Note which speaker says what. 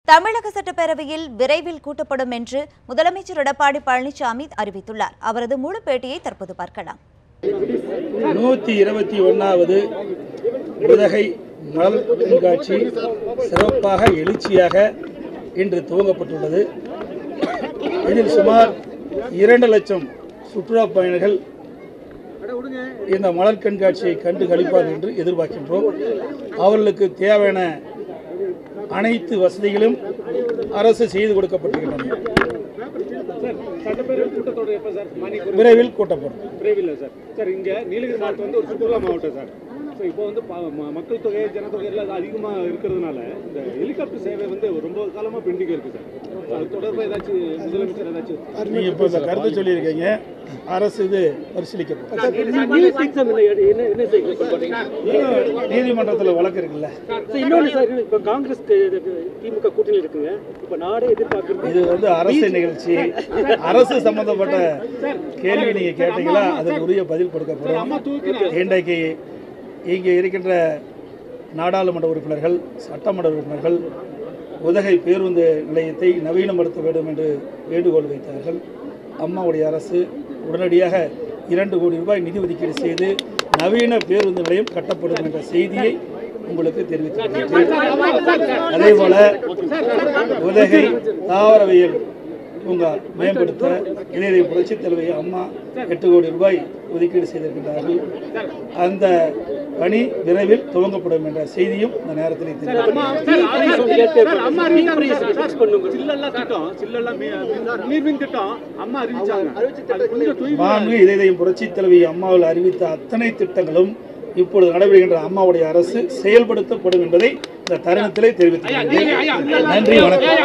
Speaker 1: தமிழக சட்டப்பேரவையில் விரைவில் கூட்டப்படும் என்று முதலமைச்சர் எடப்பாடி பழனிசாமி அறிவித்துள்ளார். அவரது முழு பேட்டியை தற்போது பார்க்கலாம்.
Speaker 2: 121வது உதகை மலர் கண்காட்சி சிறப்பாக எழுச்சியாக இன்று துவங்கப்பட்டுள்ளது. இதில் சுமார் 2 லட்சம் சுற்றுலா பயணிகள் இந்த மலர் கண்காட்சியை கண்டு களிப்பார்கள் என்று எதிர்பார்க்கின்றோம். அவர்களுக்கு தேவையான அனைத்து வசதிகளும் அரசு செய்து கொடுக்கப்பட்டிருக்கின்றன. விரைவில் கூட்டப்படும்.
Speaker 3: இங்க நீலகிரி மாவட்டம் வந்து ஒரு சுற்றுலா மாவட்டம் சார். இப்போ வந்து மக்கள் தொகை ஜனத்தொகை எல்லாம் அதிகமாக இருக்கிறதுனால இந்த ஹெலிகாப்டர் சேவை வந்து ரொம்ப காலமாக பெண்டிங் இருக்கு சார். அது தொடர்பாக ஏதாச்சும் முதலமைச்சர் ஏதாச்சும்
Speaker 2: நீங்கள் இப்போ இந்த கருத்து சொல்லியிருக்கீங்க, அரசு இது பரிசீலிக்கப்படும். நீதிமன்றத்தில் வழக்கு இருக்குல்ல.
Speaker 3: இன்னொன்று சார், இப்போ காங்கிரஸ் திமுக கூட்டணி இருக்குங்க. இப்போ நாடே எதிர்பார்க்குறது
Speaker 2: இது வந்து அரசு நிகழ்ச்சி. அரசு சம்பந்தப்பட்ட கேள்வி நீங்கள் கேட்டீங்களா, அதுக்கு உரிய பதில் கொடுக்கப்படும். இன்றைக்கு இங்கே இருக்கின்ற நாடாளுமன்ற உறுப்பினர்கள், சட்டமன்ற உறுப்பினர்கள் உதகை பேருந்து நிலையத்தை நவீனப்படுத்த வேண்டும் என்று வேண்டுகோள் வைத்தார்கள். அம்மாவுடைய அரசு உடனடியாக 2 கோடி ரூபாய் நிதி ஒதுக்கீடு செய்து நவீன பேருந்து நிலையம் கட்டப்படும் என்ற செய்தியை உங்களுக்கு தெரிவித்துள்ளேன். அதேபோல உதகை தாவரவியல் பூங்கா மேம்படுத்த இளைய புரட்சித் தலைவி அம்மா 8 கோடி ரூபாய் ஒதுக்கீடு செய்திருக்கின்றார்கள். அந்த பணி விரைவில் துவங்கப்படும் என்ற செய்தியும் இந்த நேரத்தில் இளைய புரட்சித் தலைவி அம்மாவில் அறிவித்த அத்தனை திட்டங்களும் இப்பொழுது நடைபெறுகின்ற அம்மாவுடைய அரசு செயல்படுத்தப்படும் என்பதை இந்த தருணத்திலே தெரிவித்துள்ளேன். நன்றி, வணக்கம்.